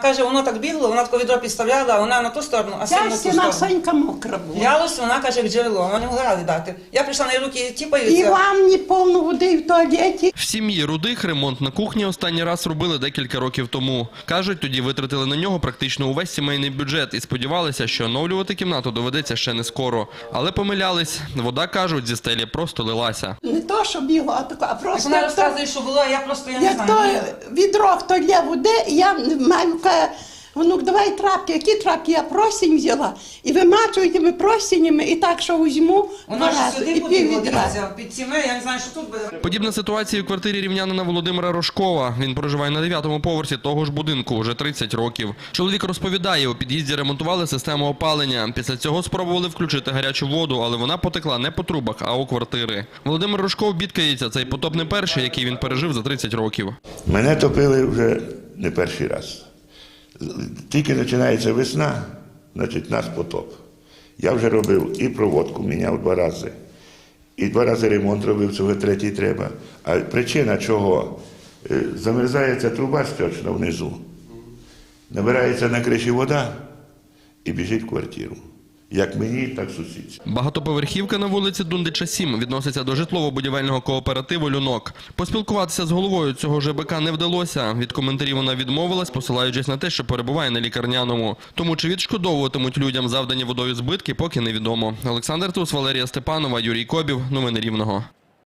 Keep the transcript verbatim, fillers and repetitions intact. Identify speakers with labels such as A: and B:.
A: Каже, воно так бігло, вона таке відро підставляла, а вона на ту сторону, а син на ту
B: Ця
A: сторону.
B: стіна Сонька мокра була.
A: Лялось, вона каже, як джерело, вона не могла дати. Я прийшла на руки,
B: І
A: тіпаються.
B: вам не повно води в туалеті.
C: В сім'ї Рудих ремонт на кухні останній раз робили декілька років тому. Кажуть, тоді витратили на нього практично увесь сімейний бюджет і сподівалися, що оновлювати кімнату доведеться ще не скоро. Але помилялись. Вода, кажуть, зі стелі просто лилася.
B: Не то, що бігло, а тако, а просто
A: Вона
B: як то,
A: розказує, що було, а я просто, я не
B: як то
A: знаю.
B: відро, хто лє води, і я маю, каже, внук, давай трапки. Які трапки? Я просінь взяла. І вимачую тими просінями, і так, що візьму
A: Вона
B: два
A: ж
B: рази,
A: сюди
B: і пів
A: побігла,
B: відра.
A: дивіться, під сімей, я не знаю, що тут буде.
C: Подібна ситуація у квартирі рівнянина Володимира Рожкова. Він проживає на дев'ятому поверсі того ж будинку вже тридцять років. Чоловік розповідає, у під'їзді ремонтували систему опалення. Після цього спробували включити гарячу воду, але вона потекла не по трубах, а у квартири. Володимир Рожков бідкається, цей потоп не перший, який він пережив за тридцять років.
D: Мене топили вже не перший раз. Тільки починається весна, значить, нас потоп. Я вже робив і проводку, міняв два рази, і два рази ремонт робив, цього третій треба. А причина чого? Замерзається труба стічна внизу, набирається на криші вода і біжить в квартиру. Як мені, так сусідці.
C: Багатоповерхівка на вулиці Дундича, сім відноситься до житлово-будівельного кооперативу «Люнок». Поспілкуватися з головою цього ЖБК не вдалося. Від коментарів вона відмовилась, посилаючись на те, що перебуває на лікарняному. Тому чи відшкодовуватимуть людям завдані водою збитки, поки невідомо. Олександр Тус, Валерія Степанова, Юрій Кобів. Новини Рівного.